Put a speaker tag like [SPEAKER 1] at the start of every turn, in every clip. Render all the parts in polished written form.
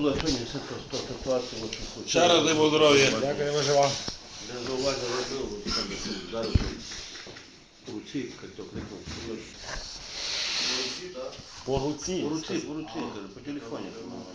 [SPEAKER 1] була сьогодні ситуація, що хочу.
[SPEAKER 2] Ще раз дай Бог здоров'я.
[SPEAKER 3] Дякую, виживав.
[SPEAKER 1] Я зауваження робив, от там зараз у руці, як то кликав.
[SPEAKER 3] По руці.
[SPEAKER 1] По руці, каже, по телефоні.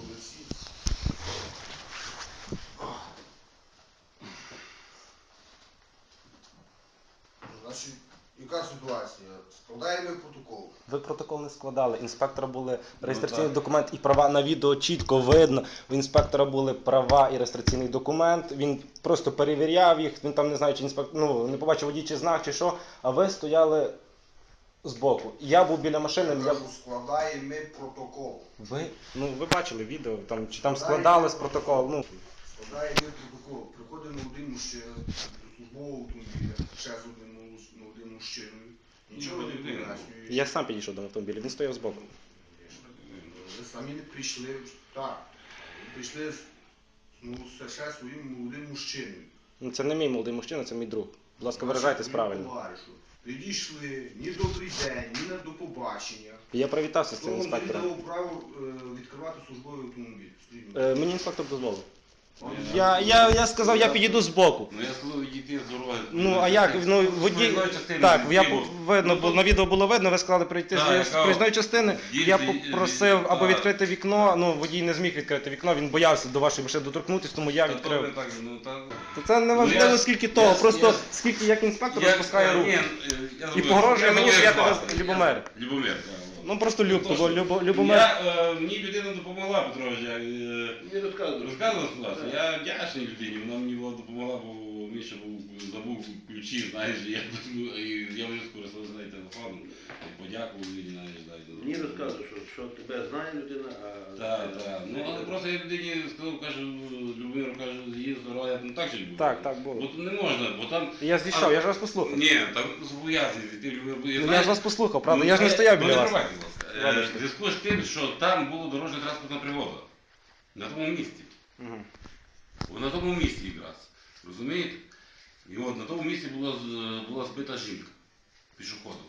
[SPEAKER 4] Значить, яка ситуація? Складаємо протокол.
[SPEAKER 3] Ви протокол не складали. Інспектора були реєстраційний документ і права на відео чітко видно. У інспектора були права і реєстраційний документ. Він просто перевіряв їх. Він там не знаю, чи не побачив водій чи знак, чи що. А ви стояли збоку. Я був біля машини.
[SPEAKER 4] Складаємо протокол.
[SPEAKER 3] Ви бачили відео, чи там складались протокол.
[SPEAKER 4] Складаємо протокол. Приходимо один мужчина до службового автомобіля, ще з одним мужчиною. Нічого не пояснює.
[SPEAKER 3] Я сам підійшов до автомобіля, він стояв збоку.
[SPEAKER 4] Ви самі не прийшли. Так. Ви прийшли ще своїм молодим мужчиною.
[SPEAKER 3] Це не мій молодий мужчина, це мій друг. Будь ласка, виражайтесь правильно.
[SPEAKER 4] Підійшли, ні добрий день, ні до побачення.
[SPEAKER 3] Я привітався з цим
[SPEAKER 4] Хто вам
[SPEAKER 3] інспектором.
[SPEAKER 4] дав право відкривати службовий автомобіль?
[SPEAKER 3] Мені інспектор дозволив. Я сказав, я підійду збоку.
[SPEAKER 2] Ну я сказав, відійти з дороги.
[SPEAKER 3] А як? Водій... Так, видно, бо на відео було видно, ви сказали прийти з проїзної частини. Я попросив або відкрити вікно, водій не зміг відкрити вікно, він боявся до вашої машини доторкнутися, тому я відкрив. Це не важливо скільки того, просто скільки як інспектор розпускає руки. І погрожує мені, що я тебе Любомир.
[SPEAKER 2] Любомир, так.
[SPEAKER 3] Просто Любомир.
[SPEAKER 2] Мені людина допомогла, Петрович.
[SPEAKER 1] Не розказував.
[SPEAKER 2] Розказував ситуацію. Я вдячний людині, вона мені допомогла, бо Міша забув ключі, знаєш, я вже скористався нею телефоном, подякував людині, знаєш,
[SPEAKER 1] Мені розказував, що тебе знає людина, а...
[SPEAKER 2] Так. Але просто я людині сказав, кажу, Любомиру, кажу, її здоров'я, так чи було?
[SPEAKER 3] Так було.
[SPEAKER 2] Бо тут не можна, бо там...
[SPEAKER 3] Я зійшов, я ж вас послухав.
[SPEAKER 2] Ні, там зобов'язаний, ти Любомир...
[SPEAKER 3] Я ж вас послухав, правда, я ж не стояв біля вас.
[SPEAKER 2] В зв'язку з тим, що там була дорожня транспортна пригода. На тому місці. На тому місці якраз. Розумієте? І от на тому місці була збита жінка пішоходом.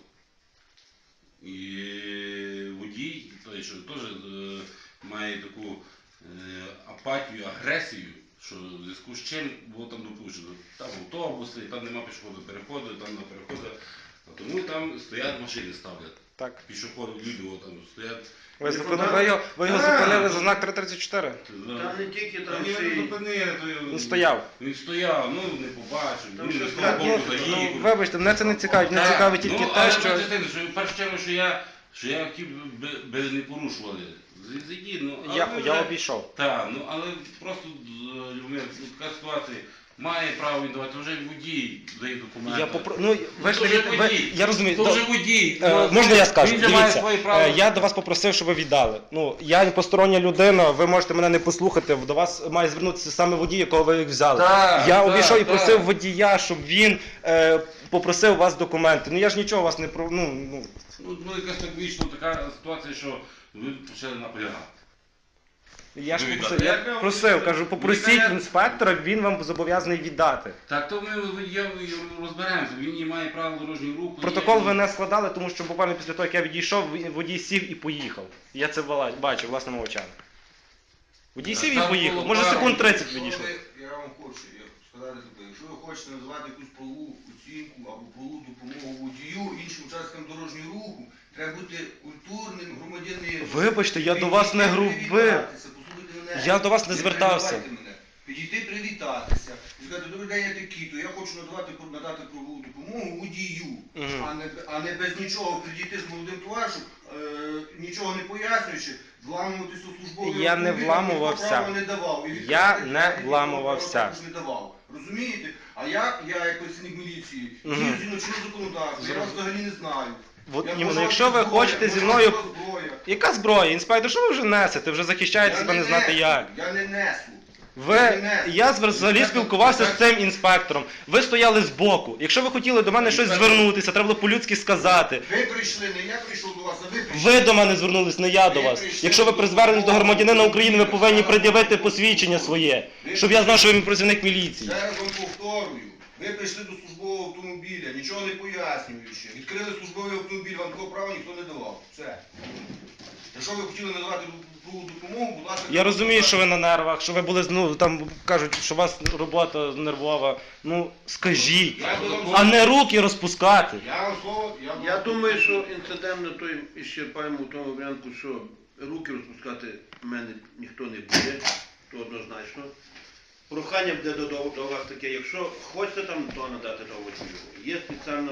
[SPEAKER 2] І водій, той, що теж має таку апатію, агресію, що в зв'язку з чим було там допущено. Там автобуси, там нема пішохідного переходу, там на переходу. Тому там стоять машини, ставлять.
[SPEAKER 3] Так.
[SPEAKER 2] Пішоходи, люди там стоять.
[SPEAKER 3] Ви його зупинили за знак 334?
[SPEAKER 1] Та не тільки там
[SPEAKER 3] Він стояв.
[SPEAKER 2] Він стояв, не побачив, він не з того боку заїхав.
[SPEAKER 3] Вибачте, мене це не цікавить, мене цікавить тільки те, що...
[SPEAKER 2] В першу чергу, що я хотів би не порушували. Зайди,
[SPEAKER 3] Я обійшов.
[SPEAKER 2] Так, але просто, Любомир, така ситуація. Має право він давати, вже водій дає документи.
[SPEAKER 3] Я розумію.
[SPEAKER 2] То вже водій.
[SPEAKER 3] Можна я скажу?
[SPEAKER 2] Він же має свої
[SPEAKER 3] Дивіться,
[SPEAKER 2] права.
[SPEAKER 3] я до вас попросив, щоб ви віддали. Я постороння людина, ви можете мене не послухати, до вас має звернутися саме водій, якого ви їх взяли. Я обійшов і просив водія, щоб він попросив у вас документи. Я ж нічого вас не про...
[SPEAKER 2] Якась так вийшла така ситуація, що ви почали наполягати.
[SPEAKER 3] Я ж просив, кажу, попросіть інспектора, він вам зобов'язаний віддати.
[SPEAKER 2] Так, то ми розберемося, він має право дорожнього руху.
[SPEAKER 3] Протокол ви не складали, тому що буквально після того, як я відійшов, водій сів і поїхав. Я це бачив власними очами. Водій сів і поїхав, може секунд 30 відійшов.
[SPEAKER 4] Я вам хочу сказати, якщо ви хочете називати якусь правову оцінку або правову допомогу водію, іншим учасникам дорожнього руху, треба бути культурним громадянином.
[SPEAKER 3] Вибачте, я до вас не грубив. Я до вас не звертався.
[SPEAKER 4] Підійти привітатися. І сказати, добрий день, я такий-то, я хочу надати правову допомогу водію, а не без нічого підійти з молодим товаришем, нічого не пояснюючи, вламуватися у службовий
[SPEAKER 3] Я не вламувався. Я не вламувався.
[SPEAKER 4] Розумієте? А я як працівник міліції, дію згідно чинного законодавства, я вас взагалі не знаю.
[SPEAKER 3] Якщо ви хочете зі мною... Яка зброя? Інспектор, що ви вже несете? Вже захищаєте себе не знати як.
[SPEAKER 4] Я не несу.
[SPEAKER 3] Я взагалі спілкувався з цим інспектором. Ви стояли збоку. Якщо ви хотіли до мене щось звернутися, треба було по-людськи сказати.
[SPEAKER 4] Ви прийшли, не я прийшов до вас, а ви прийшли.
[SPEAKER 3] Ви до мене звернулись, не я до вас. Якщо ви при зверненні до громадянина України, ви повинні пред'явити посвідчення своє, щоб я знав, що ви працівник міліції.
[SPEAKER 4] Ще раз вам повторюю. Ви прийшли до службового автомобіля, нічого не пояснюючи. Відкрили службовий автомобіль, вам такого права ніхто не давав. Все. Якщо ви хотіли надавати другу допомогу, будь ласка...
[SPEAKER 3] Я розумію, що ви на нервах, що ви були, ну, там кажуть, що у вас робота нервова. Ну, скажіть, а не руки розпускати.
[SPEAKER 4] Я вам слово...
[SPEAKER 1] Я думаю, що інцидент на той ісчерпаємо в тому варіанті, що руки розпускати в мене ніхто не буде, то однозначно. Прохання буде до вас таке, якщо хочете там то надати того чую. Є спеціально...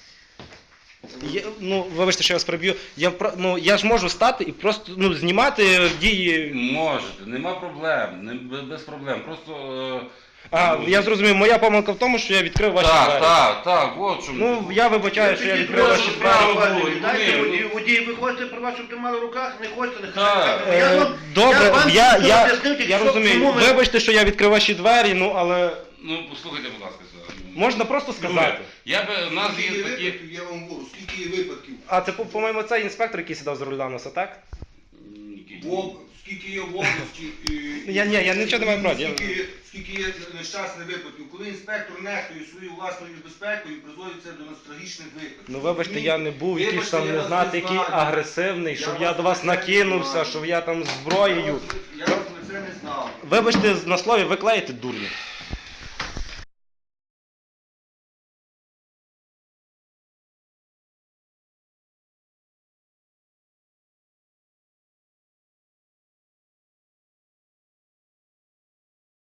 [SPEAKER 3] Ну, вибачте, що я вас переб'ю. Я ж можу стати і просто знімати дії.
[SPEAKER 2] Можете, нема проблем, без проблем. Просто...
[SPEAKER 3] Я зрозумів, моя помилка в тому, що я відкрив ваші двері.
[SPEAKER 2] Так, от чому.
[SPEAKER 3] Ну, я вибачаю, що я відкрив ваші двері.
[SPEAKER 1] Дайте водій, ви хочете про вас, щоб тримали в руках, не хочете, не
[SPEAKER 3] Добре, я розумію. Вибачте, що я відкрив ваші двері, ну, але...
[SPEAKER 2] Ну, послухайте, будь ласка,
[SPEAKER 3] можна просто сказати.
[SPEAKER 2] У нас
[SPEAKER 4] Скільки
[SPEAKER 2] є
[SPEAKER 4] є
[SPEAKER 2] такі...
[SPEAKER 4] випадків, я вам говорю, скільки є випадків.
[SPEAKER 3] А це, по-моєму, цей інспектор, який сідав за руля носа, так?
[SPEAKER 4] Скільки є в області...
[SPEAKER 3] Я нічого не маю проти.
[SPEAKER 4] Скільки є нещасних випадків, коли інспектор нехтує свою власною безпекою і призводить це до трагічних випадків.
[SPEAKER 3] Ну, вибачте, я не був якийсь
[SPEAKER 4] Вибачте,
[SPEAKER 3] там,
[SPEAKER 4] я
[SPEAKER 3] не
[SPEAKER 4] вас
[SPEAKER 3] знати,
[SPEAKER 4] не
[SPEAKER 3] який
[SPEAKER 4] знаю.
[SPEAKER 3] агресивний, щоб я до вас накинувся, щоб я там зброєю.
[SPEAKER 4] Я вас про це не знав.
[SPEAKER 3] Вибачте, на слові, ви клеїте дурня.